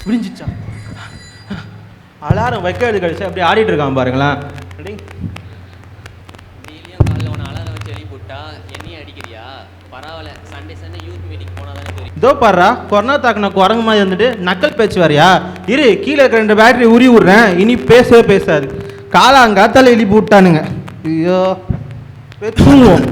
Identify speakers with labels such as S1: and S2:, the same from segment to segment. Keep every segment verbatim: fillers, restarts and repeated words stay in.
S1: விடிஞ்சிச்சா? Alarm வைக்கிறது கழிச்சு அப்படியே ஆடிட்டு இருக்கான் பாருங்களேன்.
S2: டெய்லியும் காலையில் ஒன்று அலாரம் வச்சு எழுதி போட்டா என்னையும் அடிக்கிறியா? பரவாயில்ல, சண்டே சண்டே யூத் மீட்டிங் போனால் தானே தெரியும்.
S1: இதோ பாடுறா, கொரோனா தாக்குன குரங்கு மாதிரி வந்துட்டு நக்கல் பேச்சு வரையா? இரு, கீழே இருக்கிற ரெண்டு பேட்டரி உரி விட்றேன், இனி பேசவே பேசாது. காலாங்காத்தால எழுப்பி விட்டானுங்க. ஐயோ தூங்குவோம்.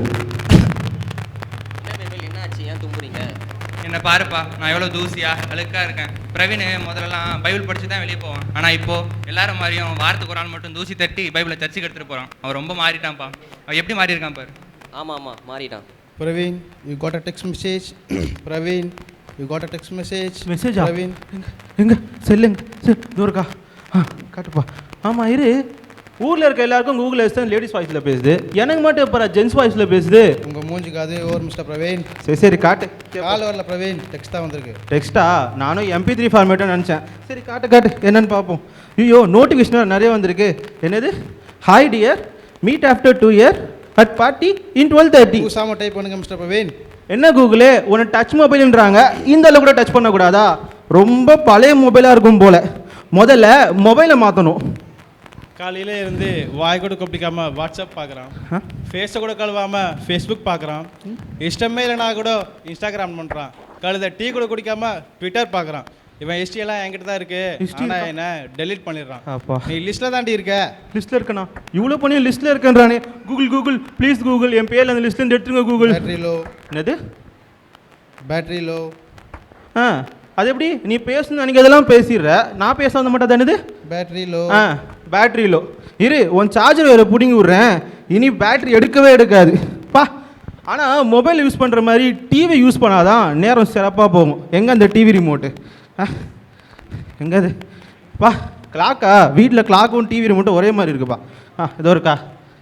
S2: என்னாச்சு, ஏன் தூங்குறீங்க?
S3: என்னை பாருப்பா, நான் எவ்வளோ தூசியா அழுக்காக இருக்கேன். பிரவீன் முதல்லலாம் பைபிள் படிச்சு தான் வெளியே போவான். ஆனால் இப்போ எல்லாரும் மாதிரியும் வாரத்துக்கு ஒரு நாள் மட்டும் தூசி தட்டி பைபிளை சர்ச்சுக்கு எடுத்துகிட்டு போகிறான். அவன் ரொம்ப மாறிட்டான்ப்பா. அவன் எப்படி மாறி இருக்கான் பாரு.
S2: ஆமாம் ஆமாம், மாறிட்டான்.
S4: Praveen, you got a text message. Praveen, you got a text message.
S1: Message
S4: Praveen,
S1: எங்க செல்லுங்க சரி தூரக்கா. ஆ காட்டுப்பா. ஆமாம் இரு, ஊரில் இருக்க எல்லாருக்கும் கூகுள் அசிஸ்டன்ட் லேடிஸ் வாய்ஸில் பேசுது, எனக்கு மட்டும் இப்போ ஜென்ஸ் வாய்ஸில் பேசுது.
S4: உங்கள் மூஞ்சிக்கு அது ஓவர் மிஸ்டர் பிரவீன்.
S1: சரி சரி காட்டு.
S4: கால் வரல பிரவீன், டெக்ஸ்ட் தான் வந்திருக்கு.
S1: டெக்ஸ்ட்டா? நானும் எம்பி த்ரீ ஃபார்மேட்டாக நினச்சேன். சரி காட்டு காட்டு என்னன்னு பார்ப்போம். ஐயோ நோட்டிஃபிகேஷன் நிறைய வந்திருக்கு. என்னது? Hi dear, meet after two year at party in twelve thirty.
S4: பூசாம டைப் பண்ணுங்க மிஸ்டர் பிரவீன்.
S1: என்ன கூகுளே, உன்னை டச் மொபைல்ன்றாங்க, இந்த அளவு கூட டச் பண்ணக்கூடாதா? ரொம்ப பழைய மொபைலாக இருக்கும் போல். முதல்ல மொபைலை மாற்றணும்.
S5: காலையில இருந்து வாய் கூட கொப்பிக்காம வாட்ஸ்அப் பார்க்குறான், ஃபேஸை கூட கழுவாமல் ஃபேஸ்புக் பார்க்குறான், இஷ்டமே இல்லைனா கூட இன்ஸ்டாகிராம் பண்ணுறான், கழுத டீ கூட குடிக்காம ட்விட்டர் பார்க்குறான். இவன் ஹிஸ்ட்ரியெல்லாம் என்கிட்ட தான் இருக்கு, ஆனால் என்ன டெலீட் பண்ணிடுறான்.
S1: அப்பா,
S5: நீ லிஸ்ட்டில் தாண்டி இருக்க.
S1: லிஸ்ட்டில் இருக்கண்ணா? இவ்வளோ பண்ணி லிஸ்ட்டில் இருக்கேன்றானே. கூகுள் கூகுள் ப்ளீஸ் கூகுள், என் பேரில் அந்த லிஸ்ட்லேருந்து எடுத்துருங்க கூகுள்.
S4: Battery low.
S1: என்னது
S4: பேட்டரி லோ?
S1: ஆ அது எப்படி? நீ பேசணும் அன்றைக்கி அதெல்லாம் பேசிடுற, நான் பேச வந்த மாட்டேன் தானது?
S4: Battery low.
S1: ஆ பேட்ரி லோ. இரு, உன் சார்ஜர் வேறு பிடிங்கி விட்றேன், இனி பேட்ரி எடுக்கவே எடுக்காது பா. ஆனால் மொபைல் யூஸ் பண்ணுற மாதிரி டிவி யூஸ் பண்ணாதான் நேரம் சிறப்பாக போகும். எங்கே அந்த டிவி ரிமோட்டு? ஆ எங்கே அது? பா கிளாக்கா? வீட்டில் கிளாக்கும் டிவி ரிமோட்டும் ஒரே மாதிரி இருக்குப்பா. ஆ இதோ இருக்கா,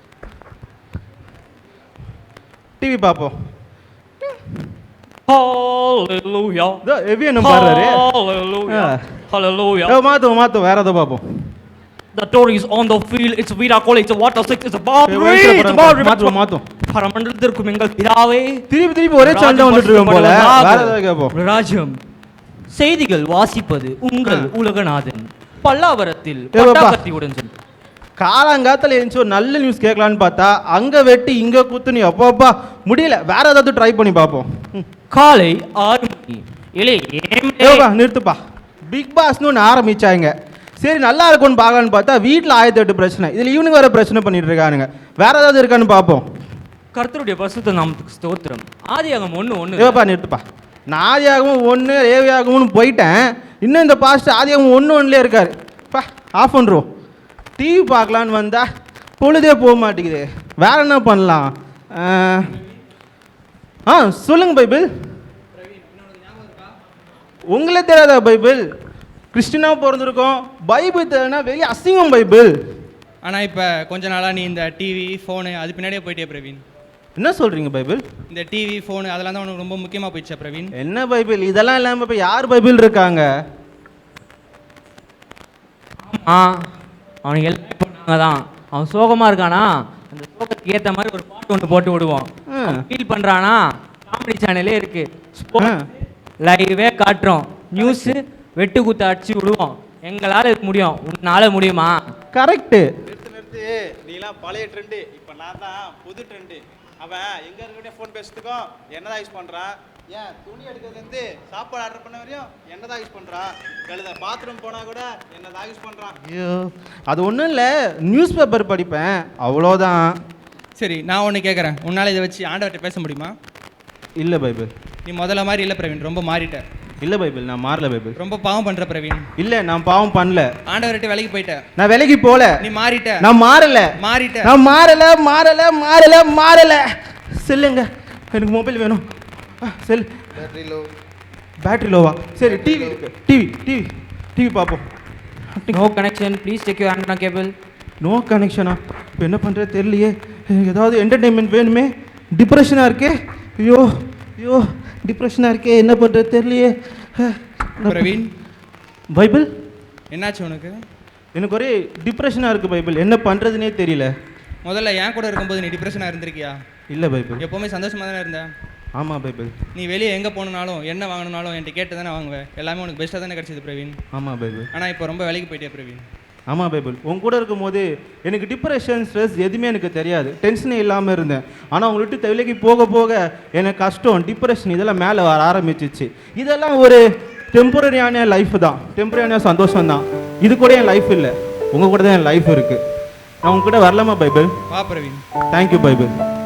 S1: டிவி பார்ப்போம்.
S6: Hallelujah.
S1: இதோ எவி என்ன பாடுறாரு.
S6: Hallelujah. Hallelujah.
S1: மாற்றுவோம் மாற்றுவோம், வேறு எதோ பார்ப்போம்.
S6: The door is on the field. It's Virat Kohli. It's a water six. It's a boundary. It's a boundary.
S1: மாற்றுவோம் மாற்றுவோம்.
S6: பரமண்டலத்திற்கும் எங்கள் பிதாவே.
S1: திருப்பி திருப்பி ஒரே சேனல் தான் வந்துட்டு இருக்கோம் போல. வேற ஏதாவது கேட்போம்.
S6: ராஜ்யம் செய்திகள் வாசிப்பது உங்கள் உலகநாதன். பல்லாவரத்தில்
S1: ஏப்பா.
S6: பட்டாக்கத்தியுடன் சென்று
S1: காலாங்காத்தில் எழுந்துச்சு ஒரு நல்ல நியூஸ் கேட்கலான்னு பார்த்தா அங்கே வெட்டி இங்கே குத்து. நீ அப்பா முடியல, வேற ஏதாவது ட்ரை பண்ணி பார்ப்போம்.
S6: காலை ஆறு மணி. இலே
S1: ஏப்பா நிறுத்துப்பா. பிக் பாஸ்னு ஒன்று ஆரம்பிச்சாங்க. சரி நல்லா இருக்கும்னு பார்க்கலான்னு பார்த்தா வீட்டில் ஆயிரத்தி எட்டு பிரச்சனை, இதில் ஈவினிங் வேறு பிரச்சனை பண்ணிட்டு இருக்கானுங்க. வேற ஏதாவது இருக்கான்னு பார்ப்போம்.
S6: கர்த்தருடைய பரிசுத்த நாமத்துக்கு ஸ்தோத்திரம். ஆதியாகமம் ஒன்று ஒன்று.
S1: ஏப்பா நிறுத்துப்பா. நான் ஆதியாகமும் ஒன்று ஏவியாகமும்னு போயிட்டேன், இன்னும் இந்த பாஸ்ட் ஆதியாகமும் ஒன்று ஒன்றுலேயே இருக்காரு. பா ஆஃப் பண்ணுறோம். டிவி பார்க்கலான்னு வந்தா பொழுதே போக மாட்டேங்குது. வேற என்ன பண்ணலாம்? ஆ சொல்லுங்க பைபிள். உங்களே தெரியாதா பைபிள்? கிறிஸ்டினாக பிறந்திருக்கோம், பைபிள் தெரியலனா வெளியே அசிங்கம் பைபிள்.
S3: ஆனால் இப்போ கொஞ்ச நாளாக நீ இந்த டிவி ஃபோனு அது பின்னாடியே போயிட்டே பிரவீன்.
S1: என்ன சொல்கிறீங்க பைபிள்?
S3: இந்த டிவி ஃபோனு அதெல்லாம் தான் உனக்கு ரொம்ப முக்கியமாக போயிடுச்சா பிரவீன்?
S1: என்ன பைபிள் இதெல்லாம் இல்லாமல் இப்போ யார் பைபிள் இருக்காங்க?
S6: ஆ அவனுக்கு எல்லாம் பண்ணாங்க தான். அவன் சோகமாக இருக்கானா, அந்த சோகத்துக்கு ஏற்ற மாதிரி ஒரு பாட்டு ஒன்று போட்டு விடுவோம். ஃபீல் பண்ணுறானா, காமெடி சேனலே இருக்கு, லைவே காட்டுறோம், நியூஸு வெட்டு குத்து அடிச்சு விடுவோம். எங்களால் இது முடியும், உன்னால் முடியுமா?
S1: கரெக்டு.
S5: நிறுத்து நிறுத்து, நீலாம் பழைய ட்ரெண்டு, இப்போ நான் தான் புது ட்ரெண்டு. அவன் எங்கே இருக்கக்கூடிய ஃபோன் பேசுறதுக்கும் என்னதான் யூஸ் பண்ணுறான், ஏன் துணி எடுக்கிறதுலேருந்து சாப்பாடு ஆர்டர் பண்ண வரையும் என்னதான் யூஸ் பண்ணுறான், கழுத பாத்ரூம் போனால் கூட என்னதான் யூஸ் பண்ணுறான்.
S1: ஐயோ அது ஒன்றும் இல்லை, நியூஸ் பேப்பர் படிப்பேன் அவ்வளோதான்.
S3: சரி நான் ஒன்று கேட்குறேன், உன்னால் இதை வச்சு ஆண்டவர்கிட்ட பேச முடியுமா?
S1: இல்லை பைபிள்.
S3: நீ முதல்ல மாதிரி இல்லை பிரவீன், ரொம்ப மாறிட்ட.
S1: இல்லை பைபிள், நான் மாறல பைபிள்.
S3: ரொம்ப பாவம் பண்ணுற பிரவீன்.
S1: இல்லை நான் பாவம் பண்ணல.
S3: ஆண்டவர்கிட்ட வேலைக்கு போயிட்ட.
S1: நான் வேலைக்கு போல.
S3: நீ மாறிட்ட.
S1: நான் மாறல.
S3: மாறிட்ட.
S1: நான் மாறல மாறல மாறல மாறல. செல்லுங்க, எனக்கு மொபைல் வேணும். செல்.
S4: Battery low.
S1: பேட்டரி லோவா? சரி டிவி டிவி டிவி டிவி பார்ப்போம்.
S6: No connection, please check you antenna cable.
S1: No கனெக்ஷனா? இப்போ என்ன பண்ணுறது தெரியலையே. ஏதாவது என்டர்டெயின்மெண்ட் வேணுமே. டிப்ரெஷனாக இருக்கே. ஐயோ ஐயோ டிப்ரெஷனாக இருக்கே, என்ன பண்ணுறது தெரியலையே.
S3: பிரவீன்
S1: பைபிள்
S3: என்னாச்சு உனக்கு?
S1: எனக்கு ஒரே டிப்ரெஷனாக இருக்குது பைபிள், என்ன பண்ணுறதுனே தெரியல.
S3: முதல்ல என் கூட இருக்கும்போது நீ டிப்ரெஷனாக இருந்திருக்கியா?
S1: இல்லை பைபிள்.
S3: எப்போவுமே சந்தோஷமாக தானே இருந்தேன்.
S1: ஆமாம் பைபிள்.
S3: நீ வெளியே எங்கே போகணுனாலும் என்ன வாங்கணுனாலும் என்கிட்ட கேட்டு தானே வாங்குவேன். எல்லாமே உனக்கு பெஸ்ட்டாக தானே கிடச்சிது பிரவீன்.
S1: ஆமாம் பைபிள்.
S3: ஆனால் இப்போ ரொம்ப வேலைக்கு போயிட்டியா பிரவீன்.
S1: ஆமாம் பைபிள். உன் கூட இருக்கும்போது எனக்கு டிப்ரெஷன் ஸ்ட்ரெஸ் எதுவுமே எனக்கு தெரியாது, டென்ஷனே இல்லாமல் இருந்தேன். ஆனால் உங்களை விட்டு விலைக்கு போக போக எனக்கு கஷ்டம், டிப்ரெஷன் இதெல்லாம் மேலே வர ஆரம்பிச்சிச்சு. இதெல்லாம் ஒரு டெம்பரரியான லைஃப் தான், டெம்பரரியான சந்தோஷம் தான். இது கூட என் லைஃப் இல்லை, உங்கள் கூட தான் என் லைஃப் இருக்குது. நான் உங்ககிட்ட வரலாமா பைபிள்?
S3: வா பிரவீன்.
S1: Thank you Bible.